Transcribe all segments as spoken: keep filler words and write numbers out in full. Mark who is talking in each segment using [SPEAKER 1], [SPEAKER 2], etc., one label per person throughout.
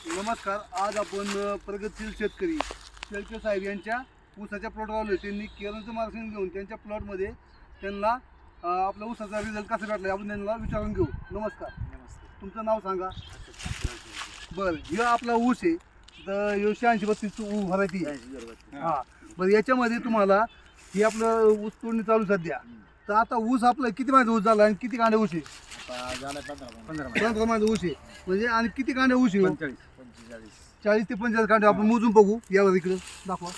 [SPEAKER 1] नमस्कार. आज आपण अ, प्रगतशील शेतकरी शेळके साहेब यांच्या ऊसाच्या प्लॉटवर आलो. त्यांनी केरळचं मार्गदर्शन घेऊन त्यांच्या प्लॉटमध्ये त्यांना अ, आपला ऊसाचा रिझल्ट कसा भेटला आपण त्यांना विचारून घेऊ. नमस्कार.
[SPEAKER 2] नमस्ते.
[SPEAKER 1] तुमचं नाव सांगा. बरं, हे आपला ऊस आहे तर एकशे ऐंशी बत्तीस व्हरायटी आहे. हां, बरं, याच्यामध्ये तुम्हाला हे आपलं ऊस तोडणी चालू सध्या. तर आता ऊस आपलं किती महिन्याचा ऊस झाला आणि किती कांडे ऊस आहे? पंधरा महिन्याचा ऊस आहे म्हणजे. आणि किती कांडे ऊस आहे? चाळीस ते पंचेचाळीस कांडे. आपण मोजून बघू. यावर इकडे दाखवा.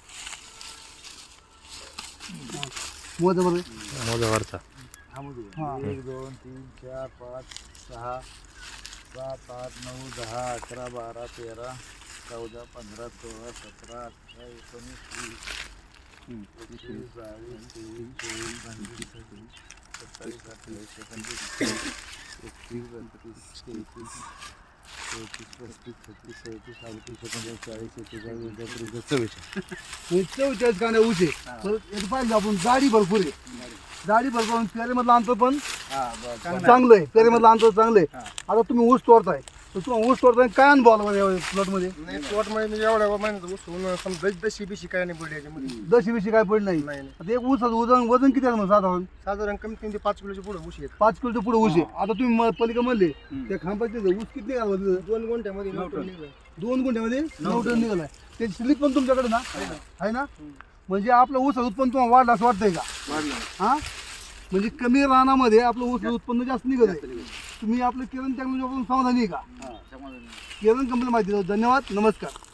[SPEAKER 1] मोजा बरं.
[SPEAKER 3] मोजावरचा
[SPEAKER 1] हां,
[SPEAKER 2] एक दोन तीन चार पाच सहा सात आठ नऊ दहा अकरा बारा तेरा चौदा पंधरा सोळा सतरा अठरा एकोणीस वीस एकवीस बावीस तेवीस चोवीस पंचवीस सव्वीस सत्तावीस अठ्ठावीस एकोणतीस एकतीस बत्तीस तेहतीस चौतीस पस्तीस छत्तीस सदतीस अडतीस एकोणचाळीस चाळीस एक्केचाळीस बेचाळीस चव्वेचाळीस
[SPEAKER 1] म्हणजे चव्वेचाळीस कांडे ऊस आहे. तर याचं पाहिजे आपण जाडी भरपूर आहे. जाडी भरपूर आणि पेरेमधलं अंतर पण चांगलं आहे. पेरेमधलं अंतर चांगलं आहे. आता तुम्ही ऊस तोडताय तर तुम्हाला ऊस तोडताय काय अनुभव आला बरं या प्लॉटमध्ये?
[SPEAKER 4] नाही प्लॉटमध्ये म्हणजे एवढ्या महिन्यात ऊस होऊन समजा दशी बिशी काय नाही पडली याच्यामध्ये.
[SPEAKER 1] दशी बिशी काय पडली नाही.
[SPEAKER 4] नाही नाही.
[SPEAKER 1] आता एक ऊसाचं वजन वजन किती आहे मग साधारण?
[SPEAKER 4] साधारण कमीत कमी ते पाच किलोच्या पुढे ऊस येत.
[SPEAKER 1] पाच किलोच्या पुढे ऊस आहे. आता तुम्ही म- पलीकडे म्हणले त्या खांबाचे ऊस किती निघाला तिथं?
[SPEAKER 4] दोन गुंठ्यामध्ये नऊ टन निघालं.
[SPEAKER 1] दोन गुंठ्यामध्ये नऊ टन निघालाय. त्याची स्लिप पण तुमच्याकडे ना आहे ना? म्हणजे आपलं ऊस उत्पन्न तुम्हाला वाढलं असं वाटतंय का? हा, म्हणजे कमी रानामध्ये आपलं ऊस उत्पन्न जास्त निघत आहे. तुम्ही आपलं किरण टेक्नॉलॉजी वापरून समाधानी आहे का? किरण कंपनी माहिती. धन्यवाद. नमस्कार.